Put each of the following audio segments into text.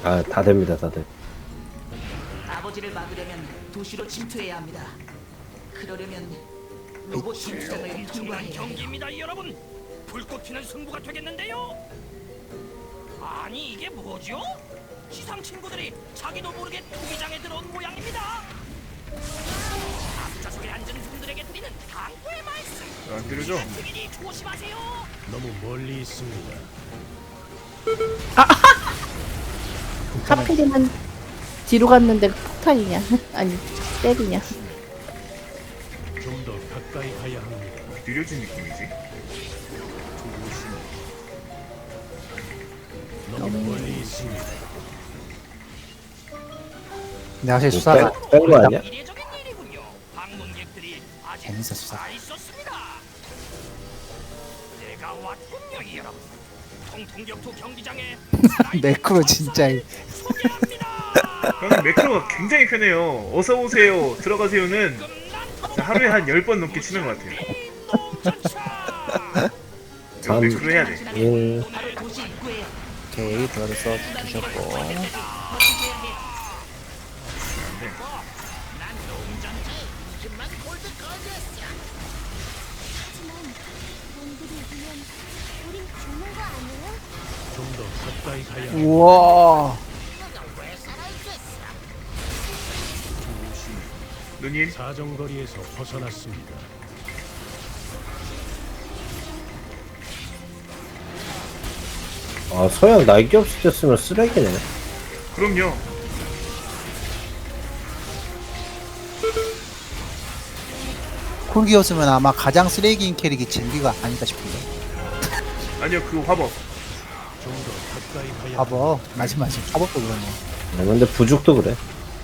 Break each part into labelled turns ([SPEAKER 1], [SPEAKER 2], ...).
[SPEAKER 1] 아, 다 됩니다, 다들.
[SPEAKER 2] 아버지를 막으려면 도시로 침투해야 합니다. 그러려면 로봇 전투장을 통과해야 해요.
[SPEAKER 3] 경기입니다, 여러분. 불꽃 튀는 승부가 되겠는데요. 아니 이게 뭐죠? 시상 친구들이 자기도 모르게 투기장에 들어온 모양입니다. 앞좌석에 앉은 분들에게 드리는 당부의 말씀.
[SPEAKER 4] 안 때려줘.
[SPEAKER 3] 특인이 조심하세요.
[SPEAKER 5] 너무 멀리 있습니다.
[SPEAKER 6] 하필이면 뒤로 갔는데 폭탄이냐? 아니 때리냐?
[SPEAKER 5] 좀 더 가까이 가야 합니다.
[SPEAKER 4] 느려진 느낌이지.
[SPEAKER 5] 너무 멀리 있습니다.
[SPEAKER 7] 근데 확실히 수사가
[SPEAKER 1] 뺀거 아니야?
[SPEAKER 3] 이례적인 일이군요. 방문객들이 아직
[SPEAKER 7] 재밌어, 수사.
[SPEAKER 3] 다 있었습니다. 내가 왔군요, 여러분. 통통격투 경기장에
[SPEAKER 7] 매크로 진짜
[SPEAKER 3] 소개합니다.
[SPEAKER 4] 형님 매크로가 굉장히 편해요. 어서 오세요, 들어가세요는 하루에 한 10번 넘게 치는 것 같아요. 이거 매크로 해야 돼.
[SPEAKER 1] 1.
[SPEAKER 2] 바로 도시 입구에
[SPEAKER 7] 오케이 들어서 주셨고
[SPEAKER 5] 좀 더 가까이 가야 합니다.
[SPEAKER 7] 우와
[SPEAKER 4] 누님
[SPEAKER 5] 사정거리에서 벗어났습니다.
[SPEAKER 1] 아, 서양 날개 없을 때 쓰면 쓰레기네.
[SPEAKER 4] 그럼요.
[SPEAKER 7] 쿨기였으면 아마 가장 쓰레기인 캐릭이 젠비가 아닐까 싶은데
[SPEAKER 4] 아니요 그 화법.
[SPEAKER 5] 좀 더 가까이 가야 합니다.
[SPEAKER 7] 화법 맞아 화법도 그러네
[SPEAKER 1] 아, 근데 부죽도 그래.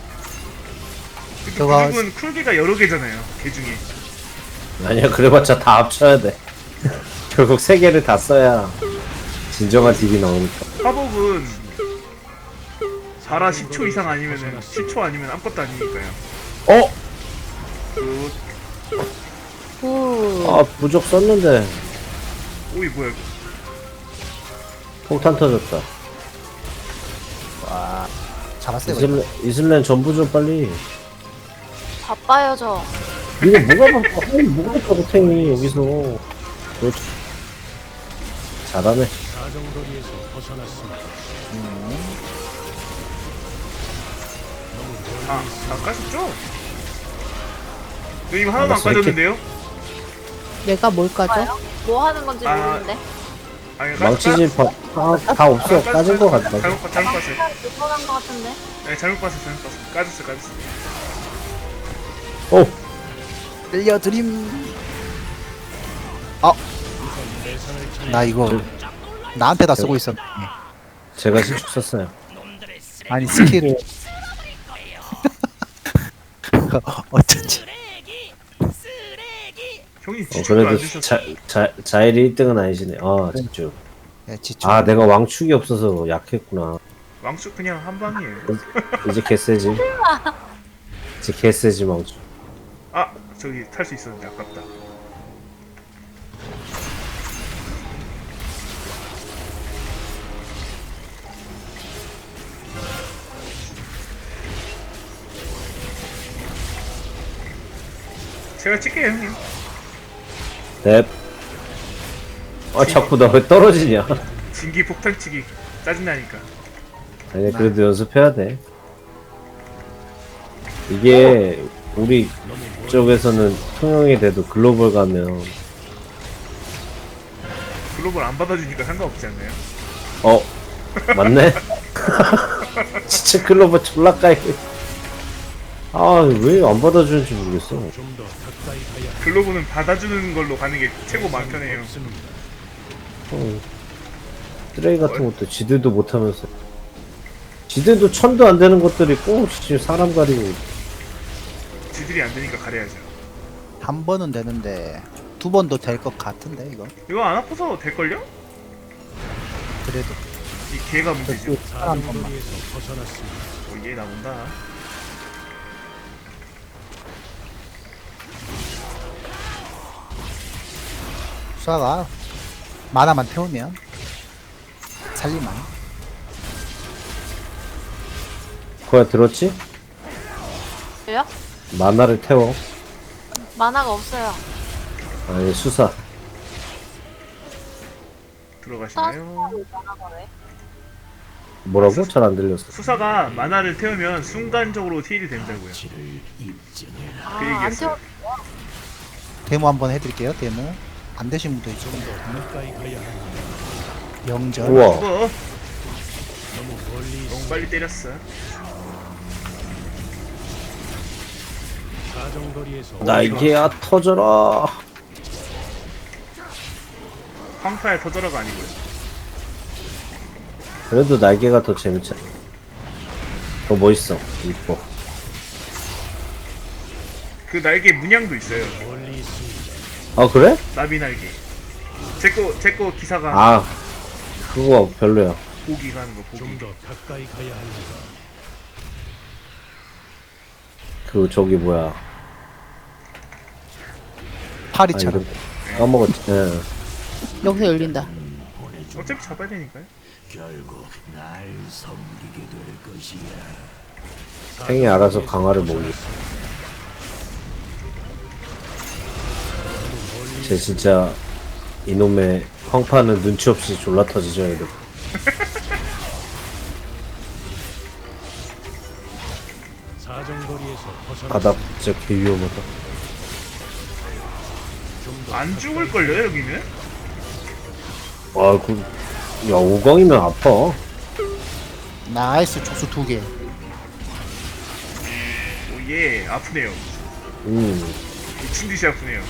[SPEAKER 4] 근데
[SPEAKER 7] 저거-
[SPEAKER 4] 그리고는 쿨기가 여러 개잖아요. 개 중에.
[SPEAKER 1] 아니야, 그래봤자 다 합쳐야 돼. 결국 세 개를 다 써야 진정한 딜이 나오니까.
[SPEAKER 4] 화법은 4라 10초 이상 아니면은 10초 아니면 아무것도 아니니까요.
[SPEAKER 1] 어?
[SPEAKER 4] 그
[SPEAKER 6] 후.
[SPEAKER 1] 아, 부족 썼는데
[SPEAKER 4] 오이 뭐야 이거.
[SPEAKER 1] 폭탄 터졌다.
[SPEAKER 7] 잡았어요 이거.
[SPEAKER 1] 이슬렌 전부 좀 빨리.
[SPEAKER 8] 바빠요 저.
[SPEAKER 1] 이거 뭐가 바빠? 아니, 뭐가 바빠, 고탱이 여기서. 그렇지. 잘하네.
[SPEAKER 5] 사정거리에서 벗어났습니다.
[SPEAKER 4] 안 까셨죠? 누님 하나도
[SPEAKER 1] 나
[SPEAKER 4] 안 까졌는데요?
[SPEAKER 6] 내가 뭘 까죠?
[SPEAKER 8] 뭐 하는 건지
[SPEAKER 4] 아,
[SPEAKER 8] 모르는데.
[SPEAKER 4] 아니
[SPEAKER 1] 망치질 다 없어. 까진 거 같다.
[SPEAKER 4] 잘못 봤어요.
[SPEAKER 8] 불편한 것 같은데.
[SPEAKER 4] 네, 잘못 봤어요. 까졌어.
[SPEAKER 1] 오!
[SPEAKER 7] 들려드림 나 이거 나한테 다 쓰고 있었네
[SPEAKER 1] 제가 신축 썼어요.
[SPEAKER 3] 놈들의 쓰레기
[SPEAKER 7] 아니 스킬을 어쩐지
[SPEAKER 3] 쓰레기.
[SPEAKER 4] 형님 지출도 안
[SPEAKER 1] 그래도
[SPEAKER 4] 주셨어.
[SPEAKER 1] 자일이 1등은 아니시네. 아, 집중.
[SPEAKER 7] 야, 지출
[SPEAKER 1] 아, 내가 왕축이 없어서 약했구나.
[SPEAKER 4] 왕축 그냥 한 방이에요.
[SPEAKER 1] 이제 개세지. 이제 개세지, 왕축.
[SPEAKER 4] 아 저기 탈 수 있었는데 아깝다. 제가 찍게요 형님.
[SPEAKER 1] 넵. 아, 자꾸 나 왜 떨어지냐.
[SPEAKER 4] 진기 폭탄치기 짜증나니까.
[SPEAKER 1] 아니, 그래도 연습해야 돼. 이게, 우리 쪽에서는 통영이 돼도 글로벌 가면,
[SPEAKER 4] 글로벌 안 받아주니까 상관없지 않나요?
[SPEAKER 1] 어, 맞네? 진짜 글로벌 졸라 까이. 아, 왜 안 받아주는지 모르겠어.
[SPEAKER 5] 좀 더 가까이 가야 합니다.
[SPEAKER 4] 글로벌은 받아주는 걸로 가는 게 최고 마음 편해요.
[SPEAKER 5] 없습니다.
[SPEAKER 1] 쓰레기 같은 것도 지들도 못하면서. 지들도 천도 안 되는 것들이 꼭 지금 사람 가리고.
[SPEAKER 4] 지들이 안 되니까 가려야죠.
[SPEAKER 7] 한 번은 되는데 두 번도 될 것 같은데 이거
[SPEAKER 4] 이거 안 아파서 될걸요?
[SPEAKER 7] 그래도
[SPEAKER 4] 이 개가 문제죠.
[SPEAKER 5] 사정거리에서 벗어났습니다.
[SPEAKER 4] 얘 나온다.
[SPEAKER 7] 수아가 만화만 태우면 살리만
[SPEAKER 1] 거야 들었지?
[SPEAKER 8] 왜요?
[SPEAKER 1] 만화를 태워.
[SPEAKER 8] 만화가 없어요.
[SPEAKER 1] 아니 수사.
[SPEAKER 4] 들어가시나요?
[SPEAKER 8] 만화가 왜?
[SPEAKER 1] 뭐라고? 잘 안 들렸어.
[SPEAKER 4] 수사가 만화를 태우면 순간적으로 힐이 된다고요.
[SPEAKER 8] 아,
[SPEAKER 4] 그
[SPEAKER 8] 안
[SPEAKER 4] 얘기였어요.
[SPEAKER 8] 태워.
[SPEAKER 7] 데모 한번 해드릴게요. 데모. 안 되신 분도 있죠.
[SPEAKER 5] 가까이 가야 합니다.
[SPEAKER 7] 영절.
[SPEAKER 1] 우와.
[SPEAKER 4] 죽어.
[SPEAKER 5] 너무 멀리
[SPEAKER 4] 너무 빨리 때렸어.
[SPEAKER 5] 사정거리에서
[SPEAKER 1] 날개야 터져라.
[SPEAKER 4] 황파에 터져라가 아니고요.
[SPEAKER 1] 그래도 날개가 더 재밌잖아. 더 멋있어. 이뻐.
[SPEAKER 4] 그 날개 문양도 있어요.
[SPEAKER 5] 멀리 있습니다.
[SPEAKER 1] 아 그래?
[SPEAKER 4] 나비 날개. 제거 기사가
[SPEAKER 1] 아 그거 별로야.
[SPEAKER 4] 고기 가는 거 고기.
[SPEAKER 5] 좀 더 가까이 가야 합니다.
[SPEAKER 1] 그 저기 뭐야. 아
[SPEAKER 7] 파리처럼.
[SPEAKER 1] 이거 까먹었지. 예.
[SPEAKER 6] 여기서 열린다.
[SPEAKER 4] 어차피 잡아야 되니까요.
[SPEAKER 1] 팽이 알아서 강화를 먹이. 쟤 진짜 이놈의 황파는 눈치 없이 졸라 터지져야 돼.
[SPEAKER 5] 사정거리에서 벗어나
[SPEAKER 1] 바닥 진짜 개 위험하다.
[SPEAKER 5] 좀더
[SPEAKER 4] 안 죽을걸요 여기는?
[SPEAKER 1] 와, 야 5강이면 아파.
[SPEAKER 7] 나이스 촉수 2개.
[SPEAKER 4] 오예 아프네요. 미친듯이 아프네요.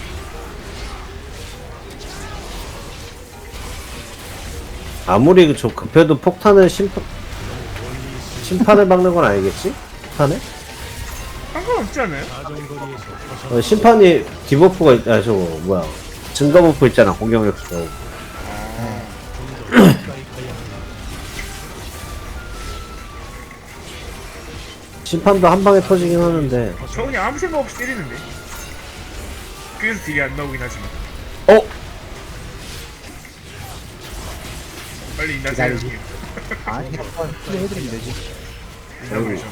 [SPEAKER 1] 아무리 저 급해도 폭탄을 심판을 박는 건 아니겠지? 폭탄에?
[SPEAKER 4] 상관없지 않아요?
[SPEAKER 5] 사정거리에서 벗어나
[SPEAKER 1] 심판이 디버프가 아 저거 뭐야 증가 버프 있잖아 공격력 저
[SPEAKER 5] 가까이 가야 합니다.
[SPEAKER 1] 심판도 한 방에 터지긴 하는데
[SPEAKER 4] 저 그냥 아무 생각 없이 때리는데. 그래서 딜이 안 나오긴 하지만.
[SPEAKER 1] 어?
[SPEAKER 4] 빨리 인나세요.
[SPEAKER 7] 기다리지. 아니 한번 해드리면 되지.
[SPEAKER 4] 인나버리셨네.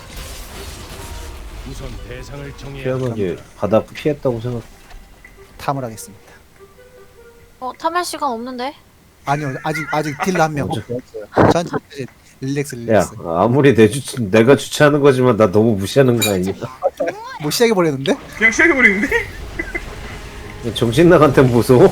[SPEAKER 5] 우선 대상을 정해야
[SPEAKER 1] 피하게 바닥 피했다고 생각.
[SPEAKER 7] 탐을 하겠습니다.
[SPEAKER 8] 탐할 시간 없는데?
[SPEAKER 7] 아니요 아직 딜러 한 명.
[SPEAKER 1] 어째?
[SPEAKER 7] 전 릴렉스
[SPEAKER 1] 야
[SPEAKER 7] 릴렉스.
[SPEAKER 1] 아무리 내가 주최하는 거지만 나 너무 무시하는 거 아니야?
[SPEAKER 7] 뭐 시작해 버렸는데?
[SPEAKER 4] 그냥 시작해버리는데?
[SPEAKER 1] 정신 나간 템 보소.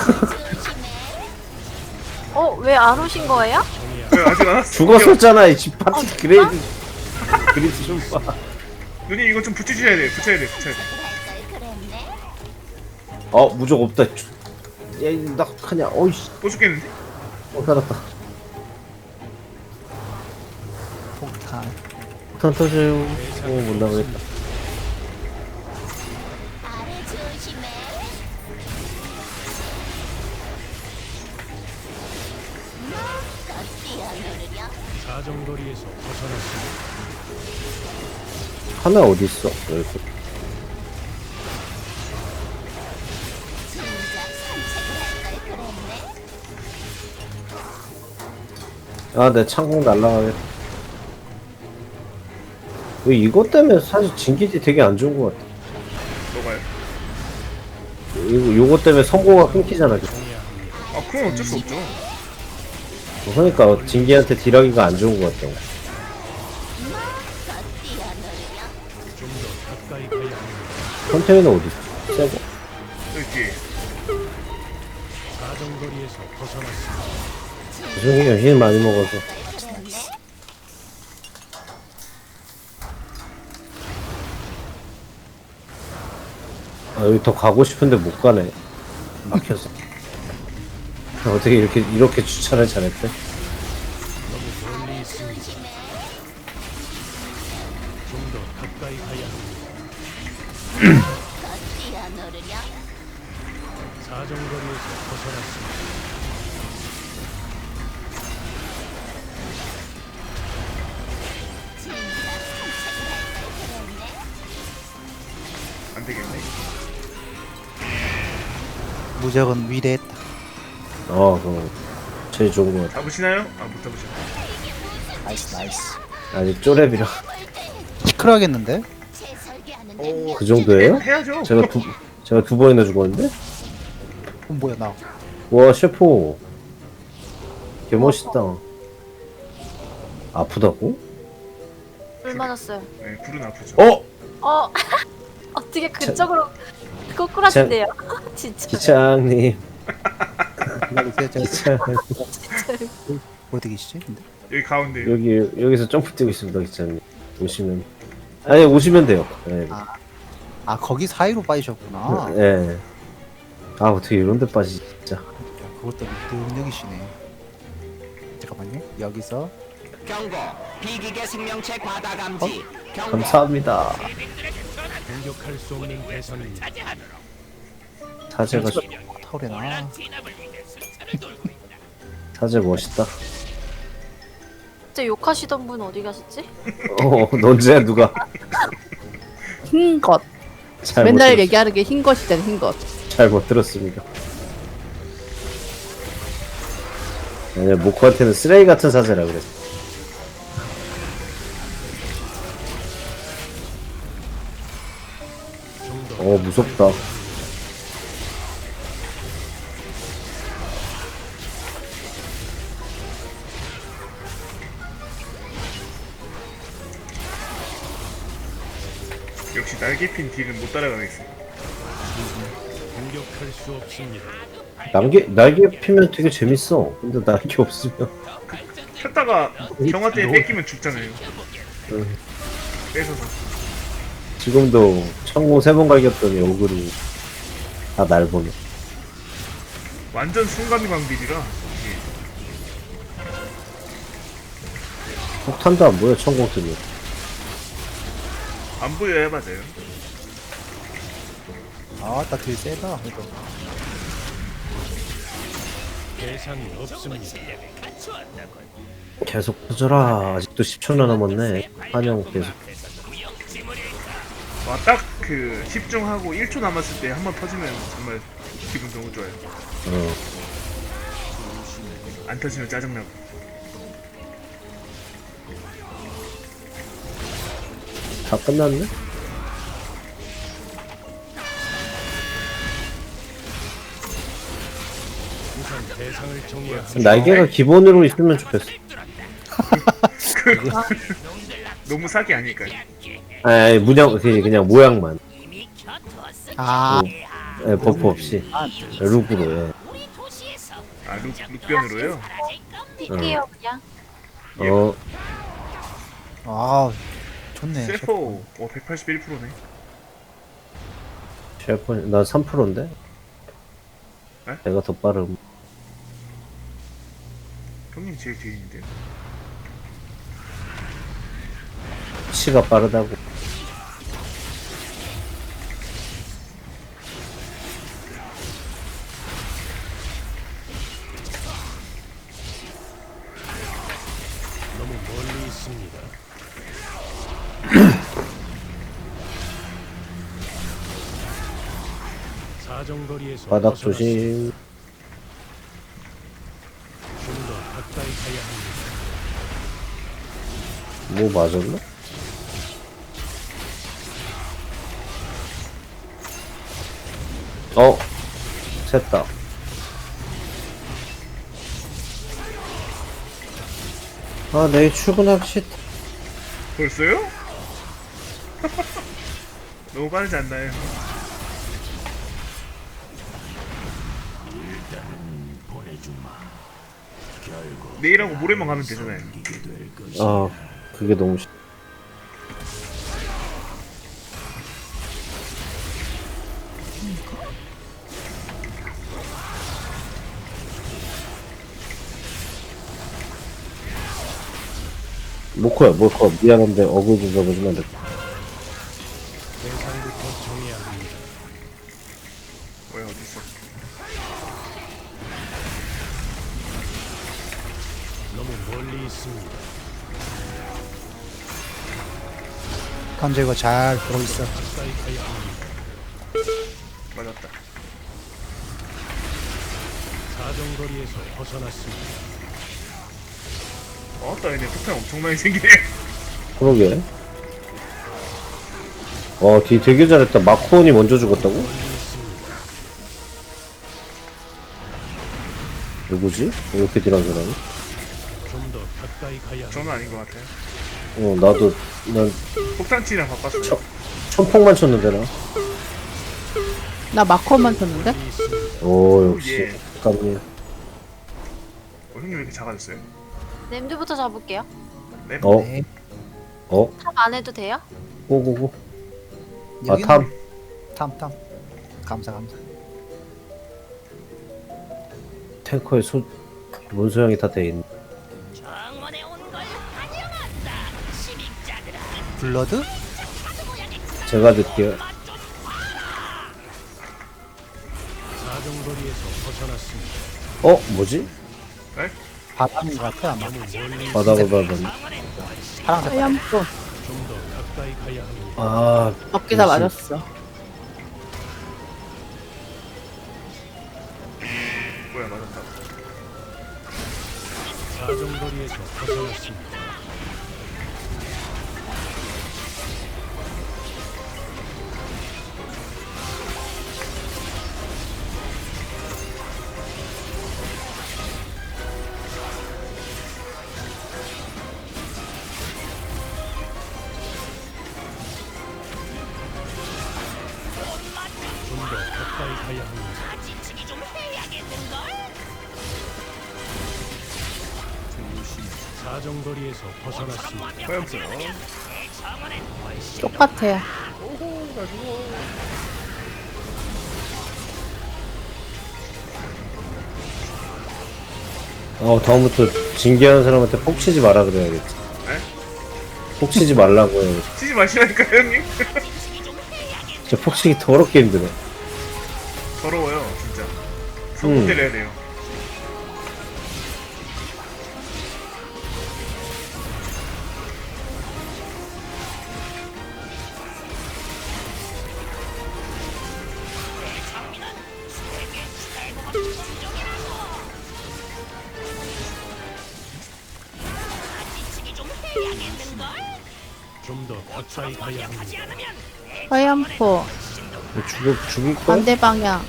[SPEAKER 8] 왜 안 오신 거예요?
[SPEAKER 4] 왜 아직 안 왔어?
[SPEAKER 1] 죽었었잖아 이집 파티 그레이드 그리드 좀 봐.
[SPEAKER 4] 누님 이거 좀 붙여주셔야 돼. 붙여야 돼.
[SPEAKER 1] 무적 없다. 야나 어떡하냐. 어이씨.
[SPEAKER 4] 또 죽겠는데?
[SPEAKER 1] 살았다.
[SPEAKER 7] 폭탄.
[SPEAKER 1] 폭탄 터져요. 못 나가겠다.
[SPEAKER 5] 사정거리에서 벗어났습니다.
[SPEAKER 1] 하나 어디 있어? 여기. 내 창공 날라가겠다. 왜 이것 때문에 사실 진기지 되게 안 좋은 것 같아.
[SPEAKER 4] 뭐가요?
[SPEAKER 1] 요거 때문에 선고가 끊기잖아.
[SPEAKER 4] 아 그건 어쩔 수 없죠.
[SPEAKER 1] 그러니까 진기한테 딜하기가 안 좋은 것 같다고.
[SPEAKER 5] 좀 더 가까이 가야 합니다.
[SPEAKER 1] 컨테이너 어디 있어? 새거.
[SPEAKER 4] 여기 뒤에.
[SPEAKER 5] 사정거리에서 벗어났습니다.
[SPEAKER 1] 죄송해요. 힐 많이 먹어서. 여기 더 가고 싶은데 못 가네. 막혀서. 어떻게 이렇게 주차를 잘했대?
[SPEAKER 5] 너무 멀리 있습니다. 좀 더 가까이 가야 합니다. 사정거리에서 벗어났습니다.
[SPEAKER 4] 안 되겠네.
[SPEAKER 7] 무적은 위대했다.
[SPEAKER 1] 그거 제일 좋은 것 같아.
[SPEAKER 4] 잡으시나요? 아 못 잡으셨네.
[SPEAKER 7] 나이스 나이스.
[SPEAKER 1] 아직 쪼렙이라.
[SPEAKER 7] 시끄러하겠는데?
[SPEAKER 1] 그 정도예요?
[SPEAKER 4] 해야죠.
[SPEAKER 1] 제가 두 번이나 죽었는데?
[SPEAKER 7] 뭐야 나.
[SPEAKER 1] 와, 셰프. 개 멋있다. 아프다고?
[SPEAKER 8] 물 맞았어요.
[SPEAKER 4] 네, 불은 아프죠.
[SPEAKER 1] 어?
[SPEAKER 8] 어 어떻게 그쪽으로 꼬꾸라진대요. 진짜.
[SPEAKER 1] 기창님.
[SPEAKER 7] 기다리세요. 저
[SPEAKER 1] 기창.
[SPEAKER 7] 어디 계시지? 근데
[SPEAKER 4] 여기 가운데.
[SPEAKER 1] 여기서 점프 뛰고 있습니다, 기창님. 오시면. 아니, 오시면 돼요. 네.
[SPEAKER 7] 아 거기 사이로 빠지셨구나.
[SPEAKER 1] 네. 아, 어떻게 이런 데 빠지지, 진짜.
[SPEAKER 7] 그것도 능력이시네. 잠깐만요. 여기서
[SPEAKER 3] 경고. 비기계 생명체 과다 감지. 경고.
[SPEAKER 1] 감사합니다.
[SPEAKER 5] 공격할 수 없는 대상입니다.
[SPEAKER 1] 사제가,
[SPEAKER 7] 타오래나.
[SPEAKER 1] 사제 멋있다.
[SPEAKER 8] 진짜 욕하시던 분 어디 가셨지?
[SPEAKER 1] 넌지야, 누가.
[SPEAKER 6] 흰 것.
[SPEAKER 1] 잘못
[SPEAKER 6] 맨날
[SPEAKER 1] 들었-
[SPEAKER 6] 얘기하는 게 흰 것이잖아, 흰 것.
[SPEAKER 1] 잘못 들었습니다. 아니, 모코한테는 쓰레기 같은 사제라 그랬어. 무섭다.
[SPEAKER 4] 역시 날개핀 딜은 못 따라가겠어.
[SPEAKER 5] 공격할 수 없습니다.
[SPEAKER 1] 날개 피면 되게 재밌어. 근데 날개 없으면.
[SPEAKER 4] 폈다가 경화 때 뺏기면 죽잖아요.
[SPEAKER 1] 응.
[SPEAKER 4] 뺏어서.
[SPEAKER 1] 지금도 천공 3번 갈겼더니 얼굴이 다 날 보네.
[SPEAKER 4] 완전 순간광 딜이라. 이게.
[SPEAKER 1] 폭탄도 안 보여, 천공 뜨면.
[SPEAKER 4] 안 보여야 맞아요.
[SPEAKER 7] 아나 되게 세다. 그래도
[SPEAKER 5] 대상이 없습니다.
[SPEAKER 1] 계속 터져라. 아직도 10초나 남았네. 환영 계속.
[SPEAKER 4] 와, 딱 그 10중하고 1초 남았을 때 한 번 터지면 정말 기분 너무 좋아요.
[SPEAKER 1] 어.
[SPEAKER 4] 안 터지면 짜증나고.
[SPEAKER 1] 다 끝났네?
[SPEAKER 5] 우선 대상을 정해야
[SPEAKER 1] 날개가 기본으로 있으면 좋겠어.
[SPEAKER 4] 너무 사기 아닐까요?
[SPEAKER 1] 아니, 그냥 모양만.
[SPEAKER 7] 아
[SPEAKER 1] 예, 버프 없이. 룩으로, 예.
[SPEAKER 4] 아, 룩변으로요?
[SPEAKER 8] 뛸게요 그냥.
[SPEAKER 1] 어,
[SPEAKER 7] 아, 좋네.
[SPEAKER 4] 셀포 181%네.
[SPEAKER 1] 셰프, 난 3%인데?
[SPEAKER 4] 에?
[SPEAKER 1] 내가 더 빠름.
[SPEAKER 4] 형님 제일 뒤에 있는데요.
[SPEAKER 1] 치가 빠르다고.
[SPEAKER 5] 너무 멀리 있습니다. 사정거리에서
[SPEAKER 1] 바닥
[SPEAKER 5] 벗어났습니다.
[SPEAKER 1] 조심.
[SPEAKER 5] 좀 더 가까이 가야 합니다.
[SPEAKER 1] 뭐 맞았나? 샜다. 아, 내일 출근하기 싫다.
[SPEAKER 4] 벌써요? 너무 빠르지 않나요? 내일하고 모레만 가면 되잖아요.
[SPEAKER 1] 아, 그게 너무 싫. 모코야, 모코. 미안한데 어글 좀 잡아주면 안 될까?
[SPEAKER 5] 대상부터 정해야 합니다.
[SPEAKER 4] 뭐야, 어딨어?
[SPEAKER 5] 너무 멀리 있습니다.
[SPEAKER 7] 현재 이거 잘 보고 있어.
[SPEAKER 5] 가까이 가야 합니다.
[SPEAKER 4] 맞았다.
[SPEAKER 5] 사정거리에서 벗어났습니다.
[SPEAKER 4] 나 얘네 폭탄 엄청 많이 생기네.
[SPEAKER 1] 그러게. 뒤 되게 잘했다. 마코온이 먼저 죽었다고? 누구지? 이렇게 딜한 사람이?
[SPEAKER 5] 좀 더 가까이 가야 합니다.
[SPEAKER 4] 저는 아닌 것 같아요.
[SPEAKER 1] 나도, 난
[SPEAKER 4] 폭탄치랑 바꿨어요.
[SPEAKER 1] 천폭만 쳤는데, 나.
[SPEAKER 6] 나 마커만 쳤는데?
[SPEAKER 1] 오, 역시.
[SPEAKER 4] 예.
[SPEAKER 1] 깜님.
[SPEAKER 4] 형님 왜 이렇게 작아졌어요?
[SPEAKER 8] 냄새부터 잡을게요.
[SPEAKER 4] 네?
[SPEAKER 7] 네.
[SPEAKER 8] 탑 안 해도 돼요?
[SPEAKER 1] 고고고.
[SPEAKER 7] 여기는
[SPEAKER 1] 탐.
[SPEAKER 7] 탐. 감사.
[SPEAKER 1] 탱커에 문소형이 다 돼있네.
[SPEAKER 3] 정원에 온 걸 환영한다. 시민자들아.
[SPEAKER 7] 블러드?
[SPEAKER 1] 제가 듣기에.
[SPEAKER 5] 사정거리에서 벗어났습니다.
[SPEAKER 1] 뭐지?
[SPEAKER 4] 네?
[SPEAKER 7] 바람인 것 같아 아마.
[SPEAKER 5] 너무 멀리
[SPEAKER 1] 바다보다는.
[SPEAKER 7] 파란색.
[SPEAKER 6] 하얀 거.
[SPEAKER 5] 좀 더 가까이 가야 합니다.
[SPEAKER 1] 아,
[SPEAKER 6] 어깨 다
[SPEAKER 1] 무슨-
[SPEAKER 6] 맞았어.
[SPEAKER 4] 뭐야 맞았다.
[SPEAKER 5] 사정거리에서 벗어났습니다. 좀 더 가까이 가야 합니다.
[SPEAKER 3] 지치기 좀 해야겠는걸?
[SPEAKER 5] 사정거리에서 벗어났습니다.
[SPEAKER 4] 화염수요.
[SPEAKER 3] 내 정원엔 훨씬
[SPEAKER 6] 똑같아.
[SPEAKER 1] 다음부터 징계하는 사람한테 폭 치지 마라 그래야겠지.
[SPEAKER 4] 네?
[SPEAKER 1] 폭 치지 말라고 해야겠지.
[SPEAKER 4] 치지 마시라니까요 형님.
[SPEAKER 1] 진짜 폭 치기 더럽게 힘들어.
[SPEAKER 4] 더러워요 진짜. 손 때려야 돼요.
[SPEAKER 5] 좀 더 가까이 가야 합니다.
[SPEAKER 6] 하얀 포.
[SPEAKER 1] 죽을 거야?
[SPEAKER 6] 반대 방향.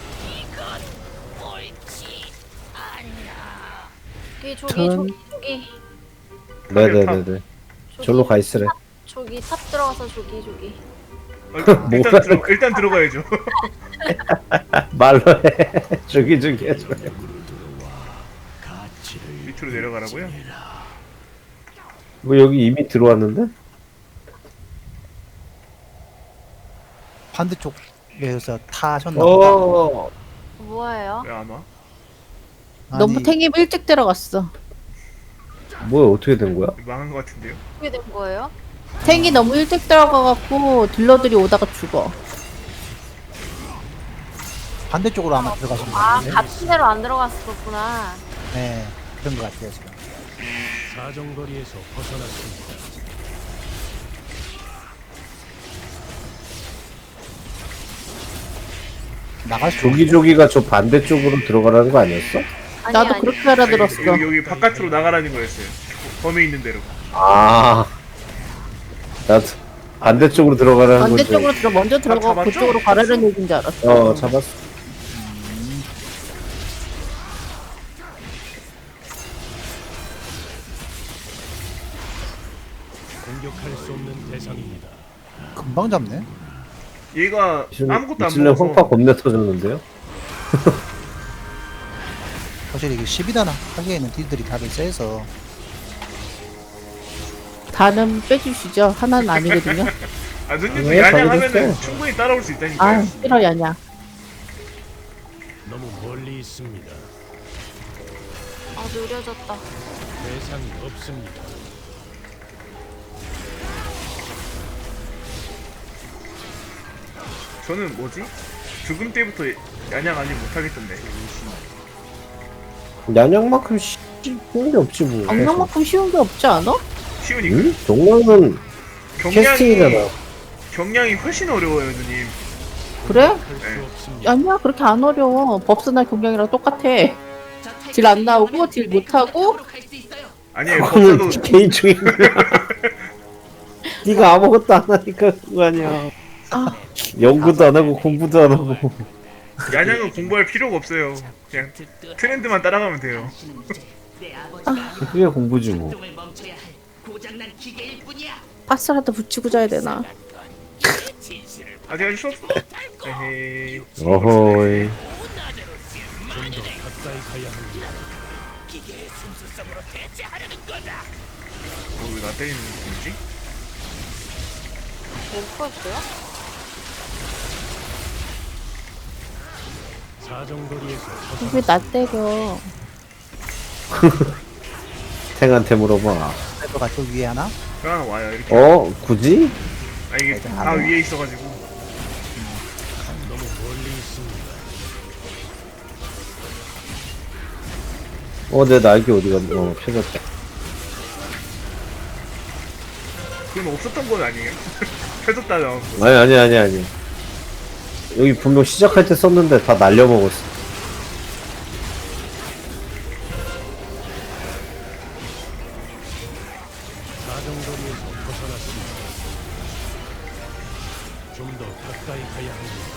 [SPEAKER 8] 저기
[SPEAKER 6] 전-
[SPEAKER 8] 저기
[SPEAKER 1] 네네네네. 절로 가 있으래.
[SPEAKER 8] 저기 탑 들어가서 저기.
[SPEAKER 4] 일단 들어가야죠.
[SPEAKER 1] 말로 해. 저기 해줘.
[SPEAKER 4] 밑으로 내려가라고요?
[SPEAKER 1] 뭐 여기 이미 들어왔는데?
[SPEAKER 7] 반대쪽에서 타셨나 보다.
[SPEAKER 8] 뭐예요?
[SPEAKER 4] 왜 안 와?
[SPEAKER 6] 너무 탱이 일찍 들어갔어.
[SPEAKER 1] 뭐야 어떻게 된 거야?
[SPEAKER 4] 망한 것 같은데요?
[SPEAKER 8] 어떻게 된 거예요?
[SPEAKER 6] 탱이 너무 일찍 들어가갖고 딜러들이 오다가 죽어.
[SPEAKER 7] 반대쪽으로 아마 들어가신 것
[SPEAKER 8] 아
[SPEAKER 7] 같은데.
[SPEAKER 8] 같은 데로 안 들어갔었구나.
[SPEAKER 7] 네, 그런 것 같아요 지금.
[SPEAKER 5] 사정거리에서 벗어났습니다.
[SPEAKER 7] 나갈 수
[SPEAKER 1] 조기조기가 저 반대쪽으로 들어가라는 거 아니었어?
[SPEAKER 6] 나도 그렇게 알아들었어.
[SPEAKER 4] 여기 바깥으로 나가라는 거였어요. 범위 있는 대로.
[SPEAKER 1] 아, 나도 반대쪽으로 들어가라는 거지.
[SPEAKER 6] 반대쪽으로 먼저 들어가고
[SPEAKER 4] 잡았죠?
[SPEAKER 6] 그쪽으로 가라는 얘기인 줄 알았어.
[SPEAKER 1] 잡았어.
[SPEAKER 5] 공격할 수 없는 대상입니다.
[SPEAKER 7] 금방 잡네.
[SPEAKER 4] 얘가 아무것도 안
[SPEAKER 1] 이슬람 황파
[SPEAKER 4] 먹어서
[SPEAKER 1] 겁나 터졌는데요?
[SPEAKER 7] 사실 이게 10이단 하기에는 딜들이 다들 세서
[SPEAKER 6] 다는 빼주시죠. 하나는 아니거든요.
[SPEAKER 4] 누님도
[SPEAKER 1] 왜
[SPEAKER 4] 야냥하면은
[SPEAKER 1] 잘해줬어?
[SPEAKER 4] 충분히 따라올 수 있다니까요.
[SPEAKER 6] 아 싫어 야냐.
[SPEAKER 5] 너무 멀리 있습니다.
[SPEAKER 8] 아 느려졌다.
[SPEAKER 5] 대상이 없습니다.
[SPEAKER 4] 저는 뭐지? 죽음 때부터 야냥 아니 못하겠던데.
[SPEAKER 1] 양양만큼 쉬운 게 없지 뭐.
[SPEAKER 6] 악명만큼 쉬운 게 없지 않아?
[SPEAKER 4] 쉬우니까.
[SPEAKER 1] 응? 동양은 캐스팅이잖아.
[SPEAKER 4] 경량이 훨씬 어려워요, 누님.
[SPEAKER 6] 그래?
[SPEAKER 5] 할 수
[SPEAKER 4] 네.
[SPEAKER 5] 없습니다.
[SPEAKER 6] 아니야 그렇게 안 어려워. 법스나 경량이랑 똑같아. 딜 안 나오고 딜 못하고
[SPEAKER 4] 아니에요,
[SPEAKER 1] 그거는
[SPEAKER 4] 법사도
[SPEAKER 1] 개인적인 거야. 네가 아무것도 안 하니까 그거 아니야. 연구도 안 하고 공부도 안 하고.
[SPEAKER 4] 야냥은 공부할 필요가 없어요. 그냥 트렌드만 따라가면 돼요.
[SPEAKER 2] 당신은 이제 내 아버지가 아니라
[SPEAKER 1] 그게 공부지 뭐.
[SPEAKER 2] 활동을 멈춰야 할 고장난 기계일 뿐이야.
[SPEAKER 6] 파스라도 붙이고 자야 되나?
[SPEAKER 4] 아직 할 수 없어. 에헤이.
[SPEAKER 1] 어허이.
[SPEAKER 5] 좀 더 가까이 가야 합니다.
[SPEAKER 4] 왜 나 때리는 느낌이지?
[SPEAKER 8] 엠퍼였어요?
[SPEAKER 5] 사정거리에서
[SPEAKER 6] 왜 나 때려?
[SPEAKER 1] 탱한테 물어봐.
[SPEAKER 7] 그래도 가쪽 위에 하나?
[SPEAKER 4] 하나 와요 이렇게.
[SPEAKER 1] 어? 굳이?
[SPEAKER 4] 아 이게 다 위에 있어가지고.
[SPEAKER 5] 너무 멀리 있습니다.
[SPEAKER 1] 내 날개 어디가 펴졌다.
[SPEAKER 4] 그럼 없었던 건 아니에요? 펴졌다 나온 거.
[SPEAKER 1] 아니. 여기 분명 시작할 때 썼는데 다 날려먹었어.
[SPEAKER 5] 사정거리에서 벗어났습니다. 좀 더 가까이 가야 합니다.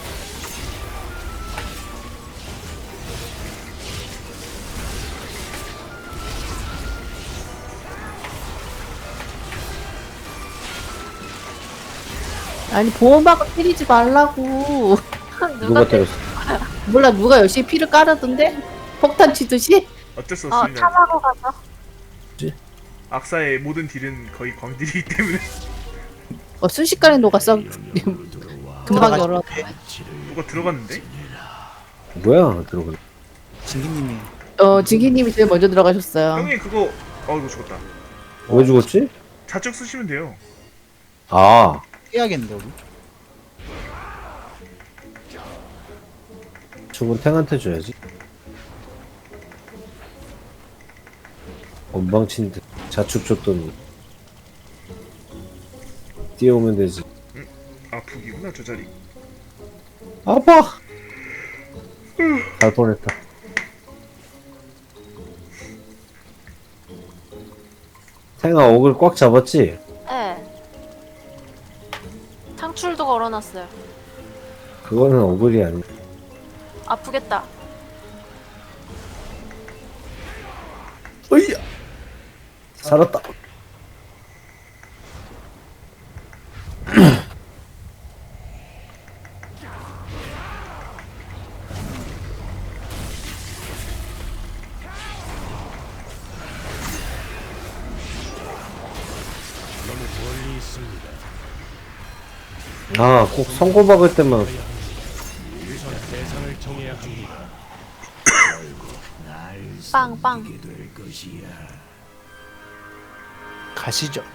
[SPEAKER 6] 아니 보호막을 때리지 말라고.
[SPEAKER 1] 누가 때렸어?
[SPEAKER 6] 몰라 누가 열심히 피를 깔았던데? 폭탄 치듯이?
[SPEAKER 4] 어쩔 수
[SPEAKER 8] 어,
[SPEAKER 4] 없습니다.
[SPEAKER 8] 탐하고 가죠.
[SPEAKER 4] 악사의 모든 딜은 거의 광딜이기 때문에
[SPEAKER 6] 순식간에 녹았어. 금방 열어.
[SPEAKER 4] 누가 들어갔는데?
[SPEAKER 1] 뭐야 들어가.
[SPEAKER 7] 진기님이
[SPEAKER 6] 진기님이 제일 먼저 들어가셨어요.
[SPEAKER 4] 형님 그거 이거 죽었다.
[SPEAKER 1] 왜 죽었지?
[SPEAKER 4] 좌측 쓰시면 돼요.
[SPEAKER 1] 아,
[SPEAKER 7] 해야겠는데 우리.
[SPEAKER 1] 죽은 탱한테 줘야지. 건방친 듯 자축 줬더니 뛰어오면 되지.
[SPEAKER 4] 아 북이구나 저 자리.
[SPEAKER 1] 아파. 갈 뻔했다. 탱아 옥을 꽉 잡았지?
[SPEAKER 8] 네. 창출도 걸어놨어요.
[SPEAKER 1] 그거는 어글이 아니야.
[SPEAKER 8] 아프겠다.
[SPEAKER 1] 으이야. 살았다.
[SPEAKER 5] 너무 멀리 있습니다.
[SPEAKER 1] 아, 꼭 선고 박을 때만.
[SPEAKER 5] 우선 대상을 정해야 합니다.
[SPEAKER 8] 빵빵.
[SPEAKER 7] 가시죠.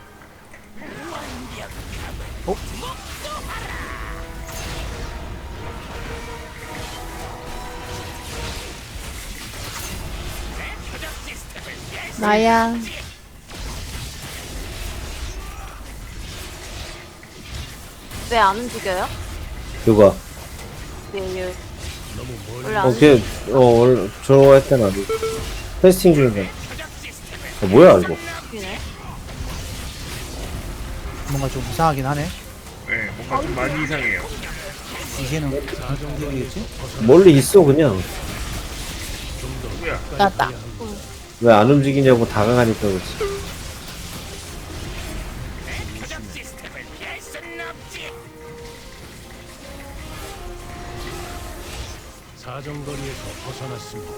[SPEAKER 6] 나야.
[SPEAKER 8] 왜 안 움직여요?
[SPEAKER 1] 누가?
[SPEAKER 8] 왜
[SPEAKER 5] 너무 멀리
[SPEAKER 8] 원래 안
[SPEAKER 1] 걔, 원래 저거 할 때는 아니고. 테스팅 중인데. 뭐야, 이거?
[SPEAKER 8] 움직이네?
[SPEAKER 7] 뭔가 좀 이상하긴 하네.
[SPEAKER 4] 네, 뭔가 좀 많이 이상해요.
[SPEAKER 7] 이제는 무슨 일이겠지?
[SPEAKER 1] 멀리 있어, 그냥.
[SPEAKER 4] 누구야?
[SPEAKER 6] 나다.
[SPEAKER 1] 왜 안 움직이냐고 다가가니까 그렇지.
[SPEAKER 5] 사정거리에서 벗어났습니다.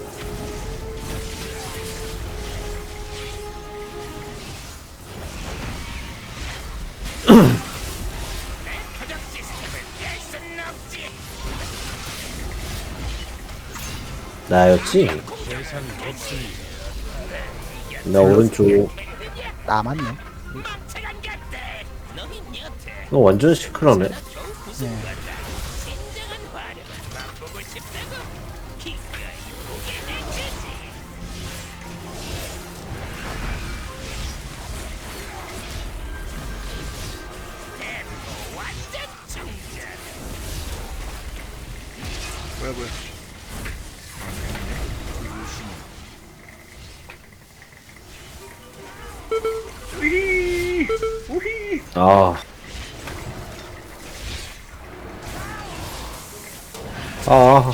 [SPEAKER 1] 나였지?
[SPEAKER 5] 대상이 없습니다.
[SPEAKER 1] 나 오른쪽.
[SPEAKER 7] 남았네.
[SPEAKER 1] 너 완전 시크하네.
[SPEAKER 7] 네.
[SPEAKER 4] 뭐야? 우히 우히.
[SPEAKER 1] 아. 아.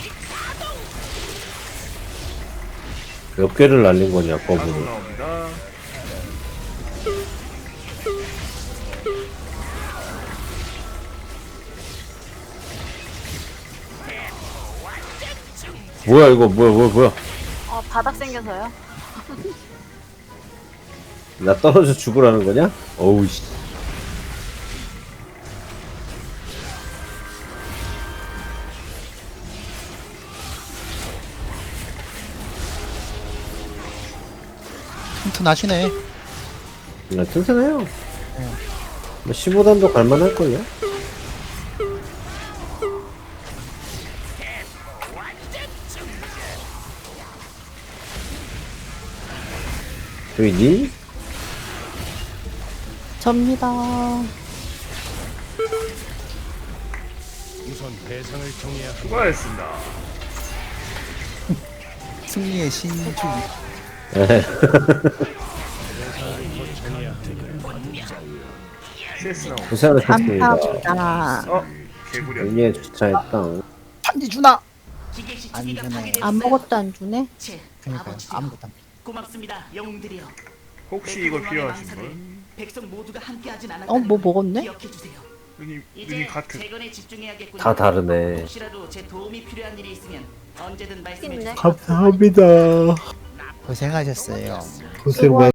[SPEAKER 1] 몇 개를 날린 거냐,
[SPEAKER 4] 가속
[SPEAKER 1] 거북이.
[SPEAKER 4] 나옵니다.
[SPEAKER 1] 뭐야, 이거, 뭐야.
[SPEAKER 8] 바닥 생겨서요.
[SPEAKER 1] 나 떨어져 죽으라는 거냐? 어우, 씨.
[SPEAKER 7] 튼튼하시네.
[SPEAKER 1] 나 튼튼해요. 뭐 15단도 갈만할걸요? 저기 니?
[SPEAKER 6] 접니다.
[SPEAKER 5] 우선 대상을 정해야 합니다.
[SPEAKER 4] 수고하셨습니다.
[SPEAKER 7] 승리의 신주기.
[SPEAKER 5] 정해야 합니다.
[SPEAKER 4] CS 나옵니다.
[SPEAKER 1] 고생하셨습니다.
[SPEAKER 6] 감사합니다.
[SPEAKER 4] 개구리야.
[SPEAKER 1] 여기에 주차했다.
[SPEAKER 7] 반지 주나?
[SPEAKER 2] 기계식
[SPEAKER 7] 안
[SPEAKER 2] 기기가
[SPEAKER 7] 주네.
[SPEAKER 2] 파괴되었어요.
[SPEAKER 6] 아무것도 안 주네.
[SPEAKER 2] 제
[SPEAKER 7] 그러니까
[SPEAKER 2] 아버지요.
[SPEAKER 7] 아무것도 안.
[SPEAKER 2] 고맙습니다, 영웅들이여.
[SPEAKER 4] 혹시 이거 필요하신 분?
[SPEAKER 2] 백성 모두가 함께하진 않았다.
[SPEAKER 6] 뭐 먹었네?
[SPEAKER 2] 기억해 주세요.
[SPEAKER 4] 눈이
[SPEAKER 2] 이제
[SPEAKER 4] 같은.
[SPEAKER 2] 재건에 집중해야겠군요.
[SPEAKER 1] 다 다르네.
[SPEAKER 2] 혹시라도 제 도움이 필요한 일이 있으면 언제든 말씀해
[SPEAKER 8] 있네.
[SPEAKER 2] 주세요.
[SPEAKER 1] 감사합니다.
[SPEAKER 7] 고생하셨어요.
[SPEAKER 1] 고생 많